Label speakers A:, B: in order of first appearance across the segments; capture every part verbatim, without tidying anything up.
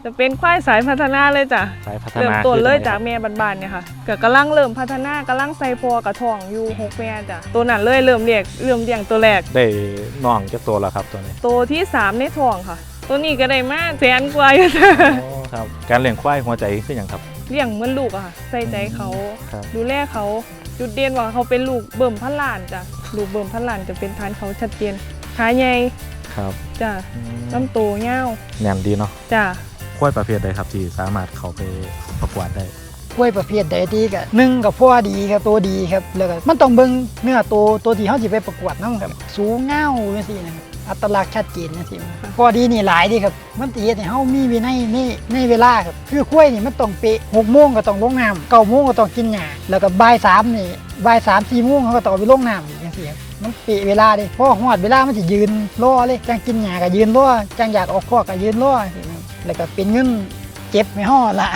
A: จะเป็นควายสายพัฒนาเลยจ้ะ
B: สายพัฒนา
A: เริ่มต้นเลยจากแม่บ้านๆเนี่ยค่ะก็กำลังเริ่มพัฒนากำลังใส่พอกระท่องอยู่หกแม่จ้ะตัวนั้นเลยเริ่มเรียกเริ่มเลี้ยงตัวแรก
B: ได้น้องจะตัวแล้วครับตัวนี้
A: ตัวที่สามในท้องค่ะตัวนี้ก็ได้มาแสนกว่าอยู่จ้ะ
B: โอ้ครับการเลี้ยงควายหัวใจคืออย่างครับ
A: เลี้ยงเหมือนลูกอะค่ะใส่ใจเขา
B: ครับ
A: ดูแลเขาจุดเด่นว่าเขาเป็นลูกเบิ่มพันล้านจ้ะลูกเบิ่มพันล้านจะเป็นทานเขาชัดเจนขาใหญ่
B: ครับ
A: จ้ะลำโตเงา
B: แน่นดีเนาะ
A: จ้ะ
B: ควายประเภทใดครับที่สามารถเข้าไปประกวดได้
C: กล้วยประเภทใดดีก็หนึ่งกับพ่อดีครับตัวดีครับแล้วก็มันต้องเบิ่งเนื้อตัวตัวที่เขาสิไปประกวดนำครับสูงเงาจังซี่นะครับอัตลักษณ์ชัดเจนจังซี่พ่อดีนี่หลายดีครับมันสิเฮ็ดให้เฮามีวินัยในในเวลาครับคือกล้วยนี่มันต้องเป๊ะหกโมงก็ต้องลงน้ำเก้าโมงก็ต้องกินหญ้าแล้วก็บ่ายสามนี่บ่ายสาม สี่โมงเขาก็ต้องไปลงน้ำจังซี่ครับมันเป๊ะเวลาเด้พอฮอดเวลามันสิยืนรอเลยจังกินหญ้าก็ยืนรอจังอยากออกคอกก็ยืนรอจังซี่ครับแล้วก็เป็นเงินเจ็บไม่ฮอดละ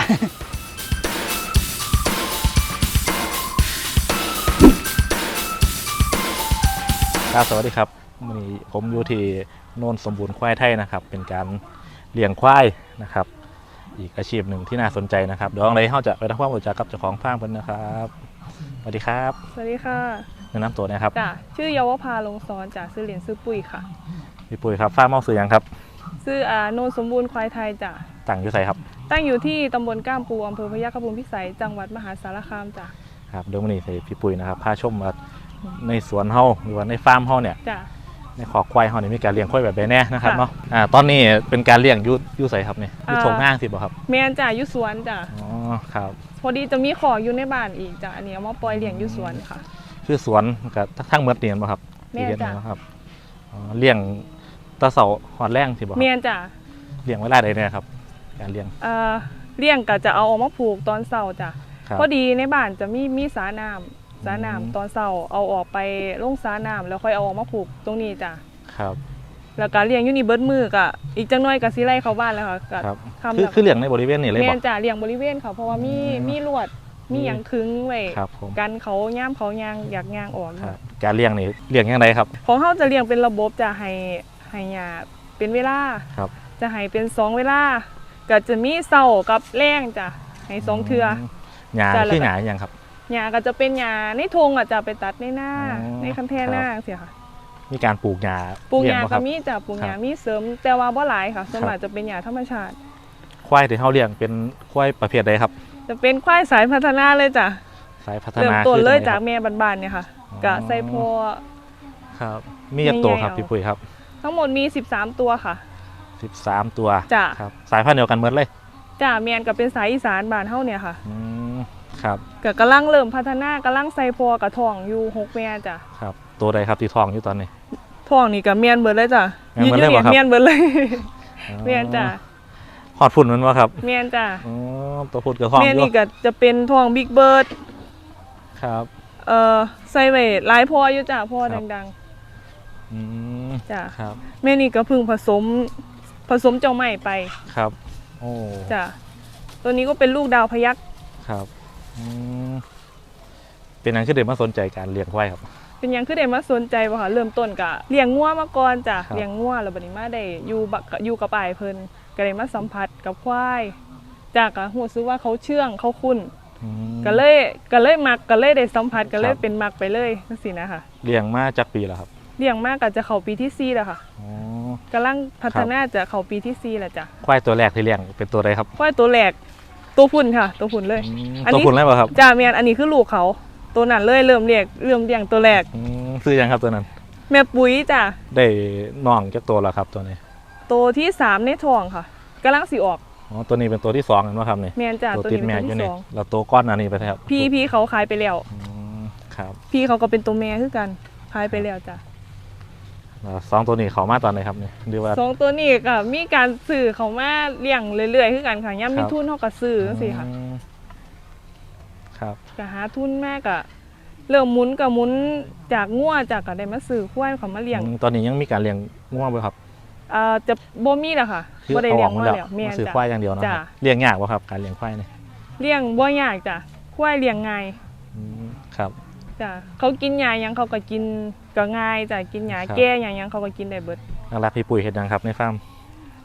B: ครับสวัสดีครับวันนี้ผมอยู่ที่โนนสมบูรณ์ควายไทยนะครับเป็นการเลี้ยงควายนะครับอีกอาชีพหนึ่งที่น่าสนใจนะครับเดี๋ยวอะไรเขาจะไปทำความรู้จักกับเจ้าของฟาร์มกันนะครับสวัสดีครับ
A: สวัสดีค่ะ
B: แนะนำตัวนะครับ
A: จ้ะชื่อเยาวภาลงซ้อนจ้ะซื้อเหรียญซื้อปุ๋ยค่ะ
B: พี่ปุ้ยครับฟาร์มเมาซื้อยังครับ
A: ซื้ออาโนนสมบูรณ์ควายไทยจ้ะ
B: ตั้งอยู่ไสครับ
A: ตั้งอยู่ที่ตำบลก้ามปูอำเภอพยัคฆภูมิพิสัยจังหวัดมหาสารคามจ้ะ
B: ครับเดี๋ยววันนี้พี่ปุ้ยนะครับพาชมว่าในสวนเฮาหรือว่าในฟาร์มเฮาเนี่ยในขอกควายเฮาเนี่ยมีการเลี้ยงควายแบบใดแน่นะครับเนาะอ่าตอนนี้เป็นการเลี้ยงยูยูใส่ครับเนี่ยยูทงง่างสิบ่ครับ
A: แม่นจ้ะยูสวนจ้ะ
B: อ๋อครับ
A: พอดีจะมีขออยู่ในบ้านอีกจ้ะอันนี้เอามาปล่อยเลี้ยงยูสวนค่ะ
B: คือสวนกับทั้งเมือเตียนบ่ครับ
A: แม่นจ้ะ
B: ครับอ๋อเลี้ยงตะเสาหอดแรงสิบ่ครับ
A: แม่นจ้ะ
B: เลี้ยงเวลาใดเนี่ยครับการเลี้ยง
A: เอ่อเลี้ยงก็จะเอาออกมาผูกตอนเช้าจ้ะพอดีในบ้านจะมีมีสระน้ำสาน้ำตอนเช้าเอาออกไปลงสาน้ำแล้วค่อยเอาออกมาผูกตรงนี้จ้ะ
B: ครับ
A: แล้วก็เลี้ยงอยู่นี่เบิดมือกะอีกจังน้อยก็สิไล่เข้าบ้านแล้วค่ะ
B: ครับคือคือเลี้ยงในบริเวณนี่เลยบ่
A: แม่นจ้ะเลี้ยงบริเวณเขาเพราะว่ามีมีลวดมีหยังคึงไว้กันเขาย่ามเขาย่างอยากย่างออก
B: ครับการเลี้ยงนี่เลี้ยงยังไงครับ
A: ของเฮาจะเลี้ยงเป็นระบบจะให้ให้หญ้าเป็นเวลา
B: ครับ
A: จะให้เป็นสองเวลาก็จะมีเช้ากับแลงจ้ะให้สองเทื่อ
B: หญ้าคือหญ้าหยังครับ
A: หญ้าก็จะเป็นหญ้าในทงอ่ะจะไปตัดในหน้าในคันแท่หน้าเสียค่ะ
B: มีการปลูกหญ้า
A: ปลูกหญ้าก็มีจ้ะปลูกหญ้ามีเสริมแต่ว่าบ่หลายค่ะส่วนมากจะเป็นหญ้าธรรมชาติ
B: ควายที่เฮาเลี้ยงเป็นควายประเภทใดครับ
A: จะเป็นควายสายพัฒนาเลยจ้ะ
B: สายพัฒนา
A: เริ่มต้นเลยจากแม่บ้านๆเนี่ยค่ะกะใส่พอ
B: ครับมีกี่ตัวครับพี่ปุ้ยครับ
A: ทั้งหมดมีสิบสามตัวค่ะ
B: สิบสามตัว
A: จ้ะ
B: ครับสายพันธุ์เดียวกันหมดเลย
A: จ้ะแม่นก็เป็นสายอีสานบ้านเฮาเนี่ยค่ะ
B: ครับ
A: ก็กำลังเริ่มพัฒนากำลังใส่พอกระท่องอยู่หกแม่จ้ะ
B: ครับตัวใดครับที่ท้องอยู่ตอนนี้
A: ท้องนี่ก็แม่นเบิดเลยจ้ะ
B: ยืนอยู่เนี่ย
A: แม่นเบิดเลยแม่นจ้ะ
B: หอดฝุ่นมันวะครับ
A: แม่นจ้ะ
B: อ๋อตัวฝุ่นกับท้อง
A: แม่นี่ก็จะเป็นท้องบิ๊กเบิร์ด
B: ครับ
A: เอ่อใส่ไว้หลายพออยู่จ้ะพอดัง
B: ๆอืม
A: จ้ะ
B: ครับ
A: แม่นี่ก็เพิ่งผสมผสมเจ้าใหม่ไป
B: ครับโอ้
A: จ้ะตัวนี้ก็เป็นลูกดาวพยัคฆ์
B: ครับเป็นยังคือเด็กมาสนใจการเลี้ยงควายครับ
A: เป็นยังคือเด็กมาสนใจป่ะคะเริ่มต้นกะเลี้ยงงัวมาก่อนจ้ะเลี้ยงงัวแล้วบัดนี้มาได้อยู่บักอยู่กับอ้ายเพิ่นก็ได้มาสัมผัสกับควายจากก็รู้สึกว่าเขาเชื่องเขาคุ้นก็เลยก็เลยมักก็เลยได้สัมผัสก็เลยเป็นมักไปเลยจังซี่นะคะ
B: เลี้ยงมาจากปีแล้วครับ
A: เลี้ยงมากก็จะเข้าปีที่สี่แล้วค่ะกำลังพัฒนาจะเข้าปีที่สี่แล้วจ้ะ
B: ควายตัวแรกที่เลี้ยงเป็นตัวใดครับ
A: ควายตัวแรกตัวพุ่นค่ะตัวพุ่นเลย
B: ตัวพุ่นเลยป่ะครับ
A: จ้าเมียนอันนี้คือลูกเขาตัวนั้นเลยเริ่มเลี้ยงเริ่มเลี้ยงตัวแรก
B: ซื้อยังครับตัวนั้น
A: แม่ปุ๋ยจ้ะ
B: ได้น้องจากตัวแล้วครับตัวนี้
A: ตัวที่สามในท้องค่ะกำลังสิออก
B: อ๋อตัวนี้เป็นตัวที่สองนะครับนี่
A: เมียนจ้ะ
B: ตัวติดแม่อยู่นี่เราตัวก้อนอันนี้ไปครับ
A: พี่พี่เขาขายไปแล้ว
B: ครับ
A: พี่เขาก็เป็นตัวแม่คือกันขายไปแล้วจ้ะ
B: สองตัวนี้เขามาตอนไหนครับเนี่ยดูว่า
A: สองตัวนี้ก็มีการซื้อเขามาเลี้ยงเรื่อยๆคือกันค่ะย่ำมีทุนเขาก็ซื้อจังซี่ค่ะ
B: ครับ
A: ก็หาทุนมากอะเริ่มหมุนกับหมุนจากงัวจากก็ได้มาซื้อควายเขามาเลี้ยง
B: ตอนนี้ยังมีการเลี้ยงงัวไหมครับ
A: อ่าจะบ่มีแล้วค่ะบ่ได้เลี้ยงงัวแล้ว
B: แม่ซื้อควายอย่างเดียวนะเลี้ยงยากป่ะครับการเลี้ยงควายเนี่ย
A: เลี้ยงบ่ยากจ้ะควายเลี้ยงง่าย
B: ครับ
A: จ้ะเขากินหญ้ายังเขาก็กินก็ง่ายจ้ะกินหญ้าแก่หยังยังเขาก็กินได้เบิด
B: รักพี่ปุ๋ยเฮ็ดยังครับในฟาร์ม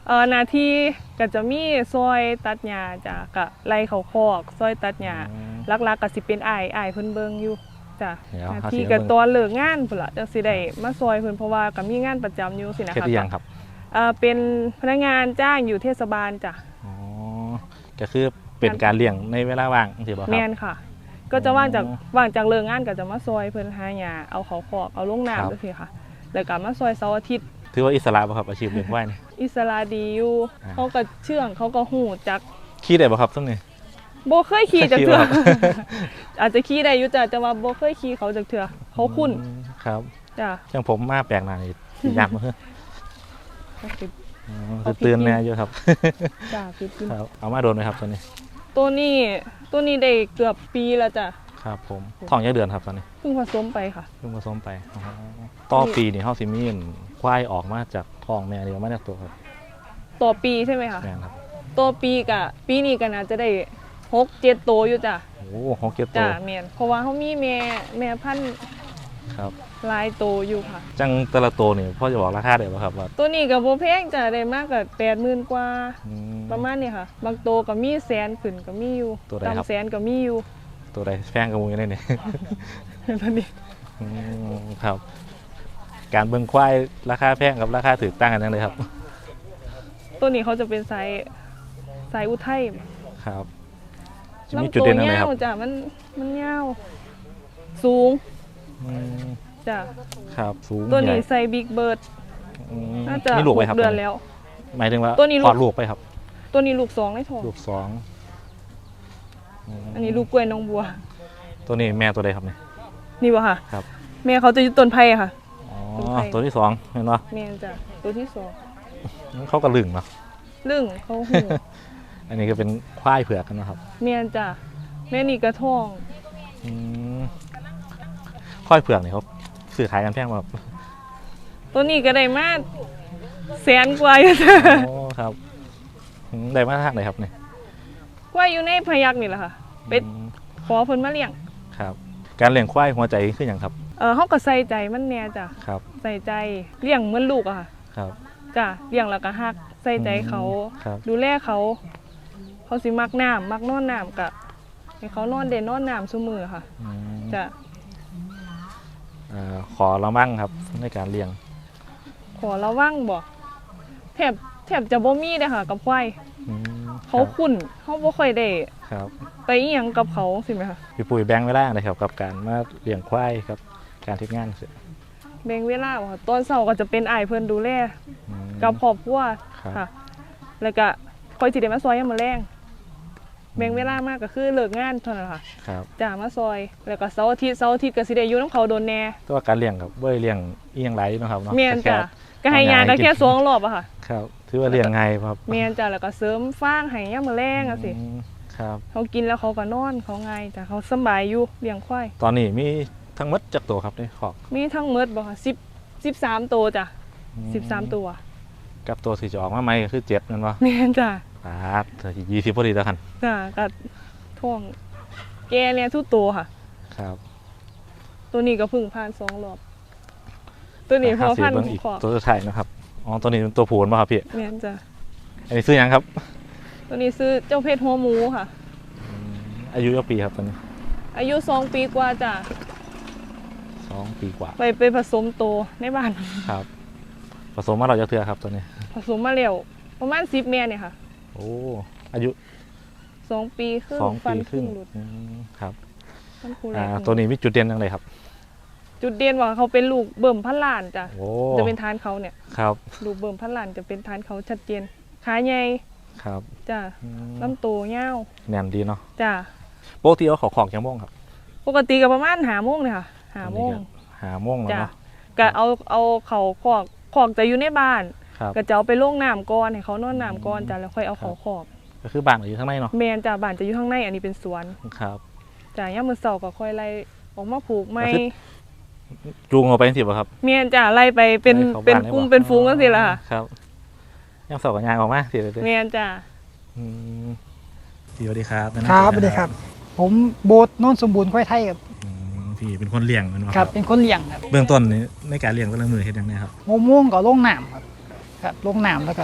A: เอ่อหน้าที่ก็จะมีซอยตัดหญ้าจ้ะก็ไล่เขาคอกซอยตัดหญ้า
B: อืม
A: หลักๆก็สิเป็นอ้ายอ้ายเพิ่นเบิ่งอยู่จ้ะ
B: เดี๋ยว
A: หน้า
B: หา
A: ที่
B: เสียง
A: ก็
B: เบิ่ง
A: ตอนเลิกงานพุ่นล่ะจังสิได้มาซอยเพิ่นเพราะว่าก็มีงานประจำอยู่สินะ
B: เฮ็ด
A: คะ
B: หรือยังครับ
A: เอ่อเป็นพนักงานจ้างอยู่เทศบาลจ้ะ
B: อ๋อก็คือเป็นการเลี้ยงในเวลาว่างสิบ่ครับ
A: แม่นค่ะ ก็จะว่างจาก
B: อ๋อ
A: ว่างจากเลิกงานก็จะมาซอยเพิ่นหาหญ้าเอาเขาคอกเอาลง
B: ครับ
A: น้ำจังซี่ค่ะแล้วก็มาซอยเสาร์อาทิตย์
B: ถือว่าอิสระบ่ครับอาชีพเลี้ยงควายนี่
A: อิสระดีอยู่
B: อ่า
A: เขาก็เชื่องเขาก็หูจัก
B: ขี่ได้บ่ครับซุมนี้
A: บ่เคยขี่จากเถื่อ
B: ขี่บ่ครับ
A: อาจจะขี่ได้อยู่จ้ะแต่ว่าบ่เคยขี่เขาจากเถื่อเขาคุ้น
B: อืมครับ
A: จ้ะ
B: จังผมมาแปลกหน้านี่สิยากบ่เฮ้อ
A: เขาสิ
B: อ๋อ
A: เอา
B: คือตื่น
A: พริก
B: แน่อยู่ครับ
A: จ้ะพี่กิน
B: ครับเอามาโดนไหมครับตอนนี้
A: ตัวนี้ตัวนี้ได้เกือบปีแล้วจ้ะ
B: ครับผมท้องยักเดือนครับตอนนี้
A: เพิ่งผสมไปค่ะ
B: เพิ่งผสมไปอ๋อต่อปีนี่เฮาสิมีอั่นควายออกมาจากท้องแม่เดียวมาจากตัวครับ
A: ต่อปีใช่ไหมคะ
B: แม่นครับ
A: ตัวปีกะปีนี้ก็น่าจะได้หกเจ็ดตัวอยู่จ้ะ
B: โอ้หกเจ็ดตั
A: จ้ะ
B: ว
A: แม่นเพราะว่าเขามีแม่แม่พันธุ์
B: ครับ
A: หลายตัวอยู่ค่ะ
B: จังแต่ละตัวนี่พ่อจะบอกราคาได้บ่ครับว่า
A: ตัวนี้ก็บ่แพงจ้ะได้มากก็แปดหมื่นกว่า
B: อืม
A: ประมาณนี้ค่ะ บางตัวก็มีแสนขึ้นก็มีอยู่
B: ตัวใดครับ
A: ต่ำแสนก็มีอยู่
B: ตัวใดแพงกว่าหมูอยู่ในนี่
A: ตัวนี้
B: อืมครับ การเบิ่งควายราคาแพงกับราคาถูกต่างกันจังเลยครับ
A: ตัวนี้เขาจะเป็นไซส์ไซส์อุทัย
B: ครับจะมีจุดเด่นอะไรครับ
A: ลำตัวยาวจ้ะมันมันยาวสูง
B: อืม
A: จ้ะ
B: ครับสูง
A: ตัวนี้
B: ใหญ่
A: ใส่บิ๊กเบิร์ด
B: อืม
A: น่าจะ
B: มีลูกไปครับ
A: หเดือนแล้ว
B: หมายถึงว่า
A: ตัวนี้ลูก
B: คลอดลูกไปครับ
A: ตัวนี้ลูกสองในท้อง
B: ลูกสองม
A: อันนี้ลูกกล้วยน้องบัว
B: ตัวนี้แม่ตัวใดครับเนี่ย
A: นี่วะค่ะ
B: ครับ
A: แม่เขาจะอยู่ต้นไผ่ค่ะ
B: อ๋อ
A: ตัวไทย
B: ตัวที่สองเห็นปะ
A: แม่จ้ะตัวที่สอง
B: เขากระลึงเนาะ
A: ลึ่งเขาหู
B: อันนี้ก็เป็นควายเผือกกันนะครับ
A: แม่จ้ะแม่นี่กระท้อง
B: อืมควายเผือกเนี่ยเขาซื้อขายกันแพงป่ะครับ
A: ตัวนี้ก็ได้มาแสนกว่าอยู่จ้ะ
B: โอ้ครับอืมได้มาทางไหนครับเนี่ย
A: กว่าอยู่ในพยักนี่แหละค่ะ เป็ด
B: อืม
A: ขอเพิ่นมาเลี้ยง
B: ครับ การเลี้ยงควายหัวใจคืออย่างครับ
A: เออเขาก็ใส่ใจมันแน่จ้ะ
B: ครับ
A: ใส่ใจเลี้ยงเหมือนลูกอะค่ะ
B: ครับ
A: จ้ะเลี้ยงแล้วก็ฮักใส่ใจเขา
B: ครับ
A: ดูแลเขา เขาสิมักน้ำมักนอนน้ำกะให้เขานอนเด่นนอนน้ำซุมือค่ะ
B: อืม
A: จ้ะ
B: เอ่อขอระมั่งครับในการเลี้ยง
A: ขอระวังบ่แทบแทบจะบ่มีเลยค่ะ กับควาย
B: อืม
A: เขาคุ้นเขาบ่ค่อยได้
B: ครับ
A: ไปอีหยังกับเขาสิไหมคะ
B: พี่ปุ๋ยแบงค์เวลาเลยครับกับการมาเลี้ยงควายครับการทิศงานเสร็จ
A: แบ่งเวลาบ่ค่ะตอนเช้าก็จะเป็นอ้ายเพิ่นดูแล
B: อืม
A: กับครอบครัว
B: ครับ
A: ค่ะ แล้วก็คอยสิได้มาซอยยามมื้อแลงแบ่งเวลามากก็คือเลิกงานเท่านั้นค่ะ
B: ครับ
A: จ้ามาซอย แล้วก็เสาร์อาทิตย์เสาร์อาทิตย์ก็สิได้อยู่นํเขาโดนแน่
B: แตัวาการเลี้ยงกับบ่ได้เลี้ยงอีหยังไรเนาะครับเนาะ
A: แม่น
B: แค่
A: จ้ะก็ให้ยาก็แค่สองรอบอะค่ะ
B: ครับถือว่าเลี้ยงไงายครับ
A: แม่นจ้ะแล้วก็เสริมฟางให้ยามมื้อแลงจังซี่
B: อืมครับ
A: เขากินแล้วเขาก็นอนเขาง่ายจ้ะเขาสำบายอยู่เลี้ยงควาย
B: ตอนนี้มีทั้งหมดจักตัวครับในขอก
A: มีทั้งหมดบ่ค่ะ10 13ตัวจ้ะ
B: อืม
A: สิบสามตัว
B: กับตัวที่จะออกมาใหม่ก็คือเจ็ดนั่นวะ
A: แม่นจ้ะ
B: ปาดเธอยี่สิบพอดีแล้วกัน
A: จ้ะก็ท่วงแกเนี่ยทุกตัวค่ะ
B: ครับ
A: ตัวนี้ก็เพึ่งผ่านสองรอบ ตัวนี้พอพัน
B: เบิ่งอีก
A: ขอบ
B: ตัวสุดท้ายนะครับอ๋อตัวนี้เป็นตัวผูนป่ะครับพี่
A: แม่นจ้ะ
B: อันนี้ซื้อยังครับ
A: ตัวนี้ซื้อเจ้าเพชรหัวหมูค่ะ
B: อืมอายุกี่ปีครับตัวนี้
A: อายุสองปีกว่าจ้ะ
B: สองปีกว่า
A: ไปไปผสมโตในบ้าน
B: ครับผสมมาเราจะเทือครับตัวนี้
A: ผสมมาแล้วประมาณสิบแม่เนี่ยค่ะ
B: โอ้อายุ
A: สองปีครึ่ง
B: สอง
A: ฟั
B: ปี
A: น
B: ค
A: ครึ่
B: รึ่ง
A: งหลุด
B: อืมครับ
A: ฟันคูแร
B: อ่าก ตัวนี้มีจุดเด่นยังไงครับ
A: จุดเด่นว่าเขาเป็นลูกเบิ่มพันล้านจ้ะ
B: โอ้
A: จะเป็นทานเขาเนี่ย
B: ครับ
A: ลูกเบิ่มพันล้านจะเป็นทานเขาชัดเจนขาใหญ่
B: ครับ
A: จ้ะ
B: อืม
A: ลำโตวยาว
B: แนมดีเนาะ
A: จ้ะ
B: ปกติเอาขอของยังม่วงครับ
A: ปกติก็ประมาณหาโมงเนี่ยค่ะหาโมง
B: หาม่วงแล้ว
A: จ้ะ
B: เนาะ
A: ก็เอาเอาเขาขอกขอกจะอยู่ในบ้าน
B: ครับ
A: ก็จะเอาไปลงน้ำก่อนให้เขานอนน้ำก่อนจ้ะแล้วค่อยเอาเขาขอก
B: ก็คือบ้านอยู่ข้างในเนาะ
A: แมนจ้ะบ้านจะอยู่ข้างในอันนี้เป็นสวน
B: ครับ
A: จ้ะย่ามมือเสาร์ก็ค่อยไล่ออกมาผูกไม้
B: ก็คือ จูงออกไปสิบ่ครับ
A: แมนจ้ะไล่ไปเป็น
B: ไล่เข้า
A: เป็น
B: บ้านได้
A: กลุ่ม
B: บ่
A: เป็นฟูงกันสิล่ะค่ะ
B: ครับยังสอบกับยางออกมาสิเลย
A: แมนจ้ะ
B: อืมพี่สวัสดีครับแนะนำ
C: ครับส
B: ตัว
C: วัส
B: ห
C: ดี
B: น่อย
C: ครับ ผมโบสโนนสมบูรณ์ควายไทยครับ
B: อืมพี่เป็นคนเลี้ยงแมันบ่
C: ครับ เป็นคนเลี้ยงครับ
B: เบื้องต้นนี่ในการเลี้ยงก็เรื่องมือเฮ็ดยังไงครับ
C: โมม่วงก็ลงน้ำครับครับลงน้ำแล้วก็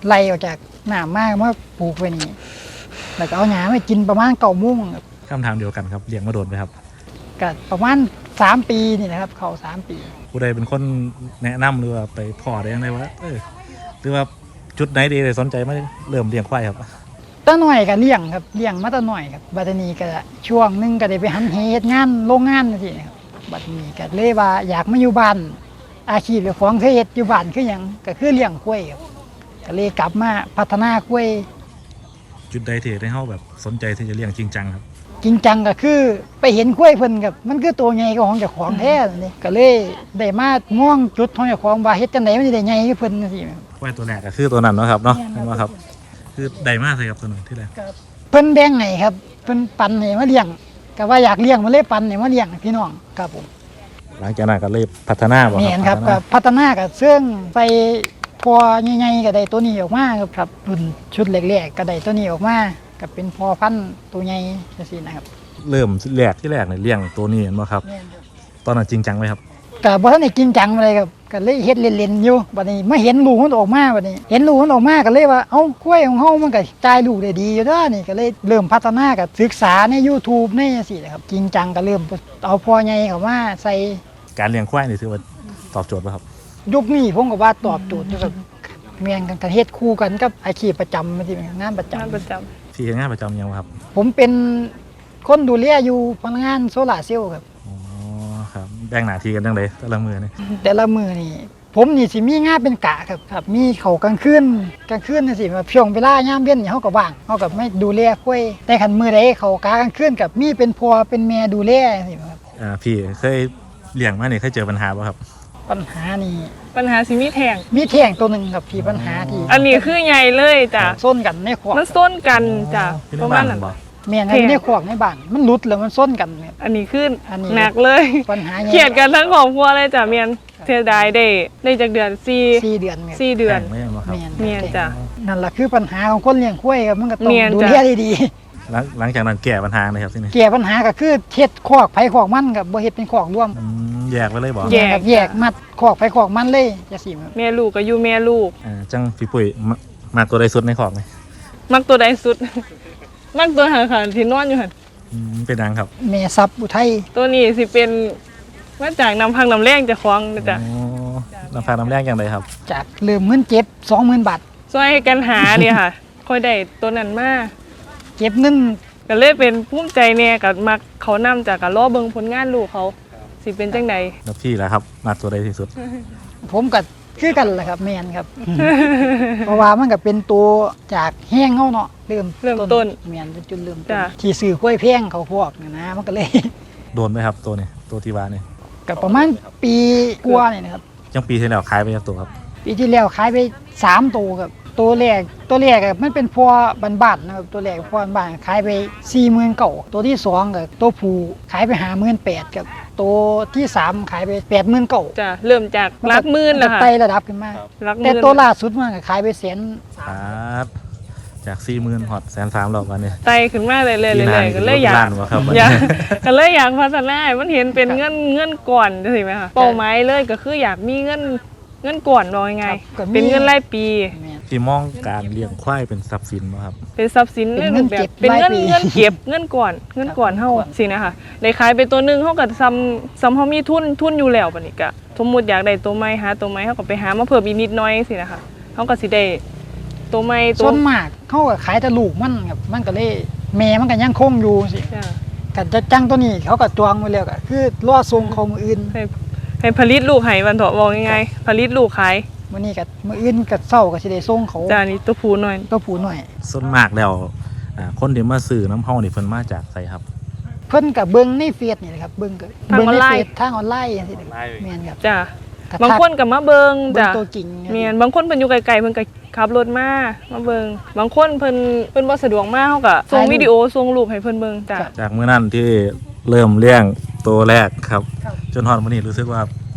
C: ไล่ออกจากหนามมากมาปลูกไว้นี่แล้วก็เอาหญ้ามากินประมาณเก้าโมงครับ
B: คำถามเดียวกันครับเลี้ยงมาโดนไหมครับ
C: ก็ประมาณสามปีนี่นะครับเขาสามปี
B: ผู้ใดเป็นคนแนะนำหรือว่าไปพ่อได้ยังไงวะเออหรือว่าจุดไหนดีเลยสนใจมาเริ่มเลี้ยงควายครับ
C: ตั้งหน่อยก็เลี้ยงครับเลี้ยงมาตั้งหน่อยครับบัดนี้ก็ช่วงหนึงก็ได้ไปหันเหตุงานโรงงานจังซี่นะครับบัดนี้ก็เลยว่าอยากมาอยู่บ้านอาชีพเจ้าของเคยเฮ็ดอยู่บ้านคือหยังก็คือเลี้ยงกล้วยครับก็เลยกลับมาพัฒนากล้วย
B: จุดใดที่ได้เฮาแบบสนใจที่จะเลี้ยงจริงจังครับ
C: จริงจังก็คือไปเห็นกล้วยเพิ่นกับมันคือตัวใหญ่กว่าของเจ้าของแท้นี่ก็เลยได้มาม่วงจุดของเจ้าของว่าเฮ็ดจังไดมันสิได้ใหญ่คือเพิ่นจังซี่ครับ
B: ควายตัวแรกก็คือตัวนั้นเนาะครับเนาะ
C: แม่นครับ
B: เห็นว่าครับ คือได้มากเลยครับตัวนั้นที่แรก
C: เพิ่นแบ่งให้ครับเพิ่นปันให้มาเลี้ยงก็ว่าอยากเลี้ยงมันเลยปันให้มาเลี้ยงพี่น้องครับผม
B: หลังจากนั้นก็เลยพัฒนาบ่
C: แม่นครับ
B: พัฒ
C: ก็
B: นา
C: พัฒนาก็เสื่องไปพอใหญ่ๆก็ได้ตัวนี้ออกมาครับครับรุ่นชุดแรกๆก็ได้ตัวนี้ออกมาก็เป็นพอพันธุ์ตัวใหญ่จังซี่นะครับ
B: เริ่มแรกที่แรกเนี่ยเลี้ยงตัวนี้เห็นบ่ครับ
C: แม่นครับ
B: ตอนนั้นจริงจังไหมครับ
C: ก็บ่ทันได้จริงจังอะไรครับก็เลยเฮ็ดเล่นๆอยู่บัดนี้มาเห็นลูกมันออกมาบัดนี้ เห็นลูกมันออกมาก็เลยว่าเอ้ากล้วยของเฮามันก็จ่ายลูกได้ดีอยู่เด้อนี่ก็เลยเริ่มพัฒนากับศึกษาใน YouTube ในจังซี่นะครับจริงจังก็เริ่มเอาพ่อใหญ่เข้ามาใส่
B: การเลี้ยงควายนี่ถือว่าตอบโจทย์ป่ะครับ
C: ยุคนี้ผมก็ว่าตอบโจทย์อยู่ครับแม่นกันก็เฮ็ดคู่กันกับอาชีพประจำจังซี่งานประจำ
A: งานประจำ
B: พี่เฮ็ดงานประจำยังบ่ครับ
C: ผมเป็นคนดูแลอยู่พนักงานโซลาร์เซลล์ครับ
B: อ๋อครับแบ่งหน้าที่กันจังไดแต่ละมือนี่
C: แต่ละมือนี่ผมนี่สิมีงานเป็นกะครับครับมีเขากลางคืนกลางคืนนี่สิแบบช่วงเวลายามเย็นนี่เฮาก็ว่างเฮาก็ไม่ดูแลคุยแต่คันมื้อใดเขากากลางคืนกับมีเป็นพ่อเป็นแม่ดูแลจังซี่ครับ
B: อ่าพี่เคยเลี้ยงมานี่เคยเจอปัญหาป่ะครับ
C: ปัญหานี่
A: ปัญหาสิมีแทง
C: มีแท่งตัวหนึงครับที่ปัญหาที่
A: อันนี้คือใหญ่เลยจ้ะ
C: ส้นกันในขวาก
A: มันส้นกันจ้ะ
B: พี่
A: ป
B: น้อ
A: ระ
B: ง
A: มา
B: บ้า
A: ณ
B: น
A: นั้น
B: บ่
C: แม่นครับในขวากในบ้านมันหลุดแล้วมันส้นกันครับ
A: อันนี้คืออน
C: นี้
A: หนักเลย
C: ปัญหาใหญ่
A: เขียดกันทั้งครอบครัวเลยจ้ะเมียนเสียดายได้ได้จากเดือนสี่
C: สี่เดือนครับ
A: สี่เดือน
B: แข่งไม่ใช่บ่ครับ
C: แม่น
A: เมียนจ้ะ
C: นั่นแหละคือปัญหาของคนเลี้ยงควายครับมันก็ต้อง
A: แม่น
C: ดู
A: จ้ะ
C: แลดี
B: หลังหลังจากนั้นแก้ปัญหาเลยครับที่นี่
C: ๆแก้ปัญหาก็คือเฮ็ดคอกไผคอกมันกับบ่เฮ็ดเป็นคอกร่วม
B: อืมแยกไปเลยบ่
A: แยก
C: ครับแยกมัดคอกไผคอกมันเลยจังซี่ครับ
A: แม่ลูกก็อยู่แม่ลูก
B: อ่าจังพี่ปุ้ยมามาตัวใดสุดในของไหม
A: มักตัวใดสุด มักตัวหางขาที่นอนอยู่หั่น
B: อืมเป็นยังครับ
C: แม่ซับอุทัย
A: ตัวนี้สิเป็นมาจากน้ำพังน้ำแรงเจะคลองนะจ้ะ
B: อ๋อน้ำฟ้าน้ำแรงอย่างไรครับ
C: จากเริ่มเงินเจ็บ สองหมื่น บาท
A: ช่วยกันหาเนี่ยค่ะ ค่อยได้ตัวนั้นมา
C: เก็บเงิน
A: ก็เลยเป็นภูมิใจเนี่ยกับมักเขานำจากการล้อเบิงผลงานลูกเขาสิเป็นจังใด
B: แล้วพี่ล่ะครับมาตัวใดที่สุด
C: ผมก็คือกันแหละครับแม่นครับ เพราะว่ามันก็เป็นตัวจากแห้งเฮาเนาะเริ่ม
A: เริ่มต้น
C: แม่นเป็นจุดเริ่มต้น
A: จ้ะ
C: ที่ซื้อควายแพงเขาพวกนี่นะมันก็เลย
B: โดนไหมครับตัวนี้ตัวที่ว่านี่
C: ก็ประมาณปีกว่านี่นะครับ
B: ยังปีที่แล้วขายไปจากตัวครับ
C: ปีที่แล้วขายไปสามตัวครับตัวแรกตัวแรกอะมันเป็นพัวบ้านๆนะครับตัวแรกพัวบ้านๆขายไปสี่หมื่นเก่าตัวที่สองกับตัวผู้ขายไปหาหมื่นแปดกับตัวที่สามขายไปแปดหมื่นเก่า
A: จะเริ่มจากรักหมื่นแล้วค่ะ
C: ไต่ระดับขึ้นมา
A: รักห
C: แต่
A: มื่น
C: ตัวล่าสุดมันก็ขายไปแสน
B: ครับจากสี่หมื่นหอดแสนสามหรอกวันนี้
A: ไตขึ้นมาเลยเลยเลย
B: ปีห
A: เล
B: น้าย
A: ก็เลยอยาก
B: ล้านวะครับ
A: อยากก็เลยอยากพัฒนาให้มันเห็นเป็นเงินเงินก่อนจังซี่ไหมคะเป้าหมายเลยก็คืออยากมีเงินเงินก่อนว่ายังไง เป็นเงินรายปี
C: แม่น
B: พี่มองการเลี้ยงควายเป็นทรัพย์สินไหมครับ
A: เป็นทรัพย์สิน
C: เป็นเงิน
A: แบ
C: เก็
A: บบ เป็นเงิน
C: รายปี
A: เงินเก็บเงินก่อนเงินก่อนเฮา
C: เงินก่อน
A: สินะคะได้ขายไปตัวหนึงเฮาก็ซ้ำซ้ำเฮามีทุนทุนอยู่แล้วบัดนี้ก็สมมุติอยากได้ตัวใหม่หาตัวใหม่เฮาก็ไปหามาเพิ่มอีกนิดหน่อยสินะคะเฮาก็สิได้ตัวใหม่ตั
C: ส่
A: ว
C: วนมากเขาก็ขายแต่ลูกมันครับมันก็เลยแม่มันก็ยังคงอยู่สิ
A: จ้ะ
C: กันจะจังตัวนี้เขาก็จองไว้แล้วก็คือรอส่งเขามืออื่น
A: ให้ให้ผลิตลูกให้วันเถาะบอกง่ายๆผลิตลูกขาย
C: มื้อนี้ก็มื้ออื่นก็เช้าก็สิได้ส่งเขา
A: จ้านี่ตัวผู้หน่อย
C: ตัวผู้หน่อย
B: ส่วนมากแล้วอ่าคนที่มาซื้อน้ำเฮานี่เพิ่นมาจากไสครับ
C: เพิ่นก็เบิ่งในเฟซนี่แหละครับเบิ่งก็
A: ทาง
C: เบิ่ง
A: ออน
C: ใน
A: ไล
C: เฟ
A: น์
C: ซทางออนไลน์จังซี่
B: ออนไลน์
C: แม่นครับ
A: จ้ะ
C: ก็
A: บางคนก็มาเบิง
C: เบิ่ง
A: จ้ะ
C: ตัวจริงครับ
A: เมียนบางคนเพิ่นอยู่ไกลๆเพิ่นก็ขับรถมามาเบิงบางคนเพิ่นเพิ่นบ่สะดวกมาเฮาก็ส่งวิดีโอส่งรูปให้เพิ่นเบิงจ้ะ
B: จากมื้อนั้นที่เริ่มเลี้ยงตัวแรกครับ
C: ครับ
B: จนฮอดมื้อนี้รู้สึกว่า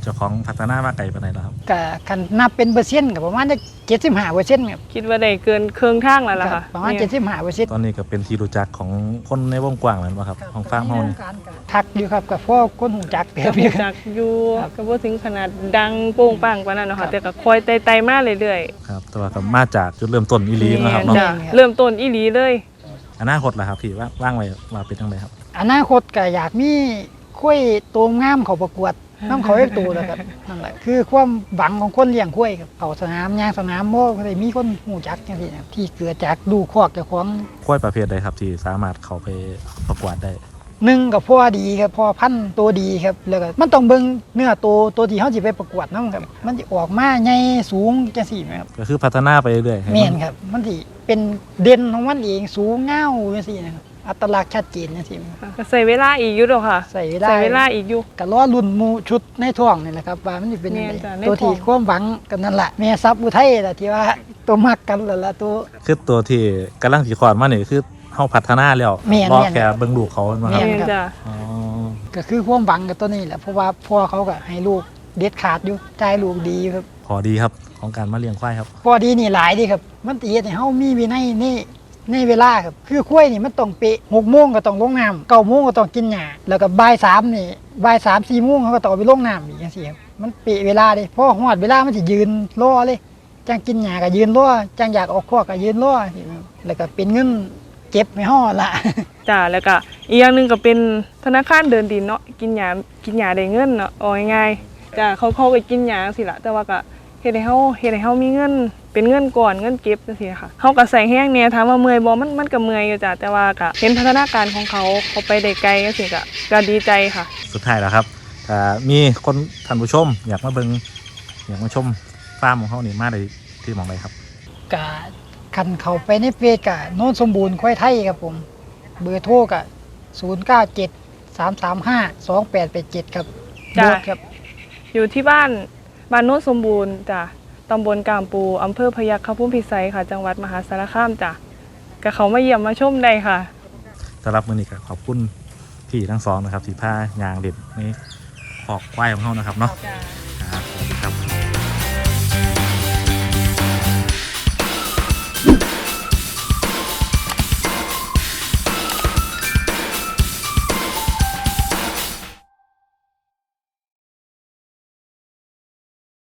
B: เจ้าของพัฒนามาไกลปานใดแล้วครับ
C: ก็คันนับเป็นเปอร์เซ็นต์ก็ประมาณจะเจ็ดสิบห้าเปอร์เซ็นต์ครับ
A: คิดว่าได้เกินครึ่งทางแล้วล่ะค่ะ
C: ประมาณเจ็ดสิบห้าเปอร์เซ็นต์
B: ตอนนี้ก็เป็นที่รู้จักของคนในวงกว้างแล้วบ่ครับของฟาร์มเฮานี่
C: ทักอยู่ครับกับพ่อคนหูจักเติ
A: ก็
C: บอยู่ครับ
A: จักอยู่
C: ครับ
A: ก็บ่ถึงขนาดดังโป้งปังปานนั้นเนาะ
C: ครั
A: ค่ะ
C: บ
A: แต่ก็คอยไต่ๆมาเรื่อย
B: ครับแต่ว่าก็มาจากจุดเริ่มต้นอี
A: ๆ
B: หลีนะครับ
A: แม่
B: เนาะ
A: จ้ะ
C: แม่นครับ
A: เริ่มต้นอีหลีเลย
B: อนาคตล่ะครับที่ว่างว่างไว้ว่าเป็นจังไดครับ
C: อนาคตก็อยากมีคุ้ยตัวงามเขาประกวดน้ำเขาเอกตัวแล้วครับนั่นแหละคือความหวังของคนเลี้ยงคุ้ยครับเขาสนามยางสนามโม่ก็ได้มีคนหูจักอย่างนี้นะครับที่เกิดจากดูคอกเจ้าของ
B: ควายประเภทใดครับที่สามารถเข้าไปประกวดได้
C: หนึ่งกับพ่อดีครับพ่อพันธุ์ตัวดีครับแล้วก็มันต้องเบิ่งเนื้อตัวตัวที่เขาจะไปประกวดน้ำครับมันจะออกมาใหญ่สูงจังสี่ไหมครับ
B: ก็คือพัฒนาไปเรื่อยๆให้
C: แม่
B: มัน
C: ครับมันสิเป็นเด่นของมันเองสูงเง่าจังสี่นะครับอัตลักษณ์ชัดเจนจังสี่ครับ
A: ค่ะก็ใส่เวลาอีกอยู่ดอกค่ะ
C: ใส่เวลา
A: ใส่เวลาอีกอยู่
C: ก็ล้อรุ่นหมูชุดในท้องนี่แหละครับว่ามันจะเป็นยังไง
A: แม่นจ้ะใน
C: ตัวที่
A: ท้อง
C: ความหวังกันนั่นแหละแม่ซับอุทัยแหละที่ว่าตัวมักกันแล้วล่ะตัว
B: คือตัวที่กำลังสิคลอดมานี่คือเฮาพัฒนาแล้ว
C: แม่น
B: รอ
C: แม่น
B: แค่เบิ่งลูกเขามาค
C: แม่
B: รับ
C: น
A: แม่นจ้ะ
B: อ๋อ
C: ก็คือความหวังกับตัวนี้แหละเพราะว่าพ่อเขาก็ให้ลูกเด็ดขาดอยู่ใจายลูกดีครับ
B: พอดีครับของการมาเลี้ยงควายครับ
C: พอดีนี่หลายดีครับ มันตีให้เฮามีวินัยนี่ในเวลาครับ คือคุ้ยนี่มันต้องเป๊ะหกโมงก็ต้องลงน้ำเก้าโมงก็ต้องกินหญ้าแล้วก็บ่ายสามนี่บ่ายสามสี่โมงเขาก็ต้องเอาไปลงน้ำอีกจังซี่ครับ มันเป๊ะเวลาเด้พอฮอดเวลามันสิยืนรอเลยจังกินหญ้าก็ยืนรอจังอยากออกคอกก็ยืนรอจังซี่ครับแล้วก็เป็นเงินเก็บไม่ฮอดละ
A: จ้ะแล้วก็อีกอย่างหนึงก็เป็นธนาคารเดินดินเนาะกินหยากินหยาได้เงินเนาะเอาง่ายๆจ้ะเขาเขาก็กินหยาจังซี่ล่ะแต่ว่าก็เฮ็ดให้เฮาเฮ็ดให้เฮามีเงินเป็นเงินก่อนเงินเก็บจังซี่ค่ะเฮาก็ใส่แห้งแหน่ถามว่าเมื่อยบ่มันมันก็เมื่อยอยู่จ้ะแต่ว่าก็เห็นพัฒนาการของเขาเขาไปได้ไกลจังซี่ก็ก็ดีใจค่ะ
B: สุดท้ายแล้วครับถ้ามีคนท่านผู้ชม อยากมาเบิ่งอยากมาชมฟาร์มของเฮานี่มาได้ที่หม่องใดครับ
C: กะคันเข้าไปในเฟซกะโน้นสมบูรณ์ควายไทยครับผม เบอร์โทรกะศูนย์ เก้า เจ็ด สาม สาม ห้า สอง แปด แปด เจ็ดครับ
A: จ้ะ
C: โบสครับ
A: อยู่ที่บ้านบ้านโน้นสมบูรณ์จ้ะตำบลกามปูอำเภอพยัคฆภูมิพิสัยค่ะ จังหวัดมหาสารคามจ้ะก็เขามาเยี่ยมมาชมได้ค่ะ
B: สำหรับมื้อนี้ก็ขอบคุณพี่ทั้งสองนะครับที่พายางเด็ดในขอกควายของเฮานะครับเนาะครับสวัสดีครับ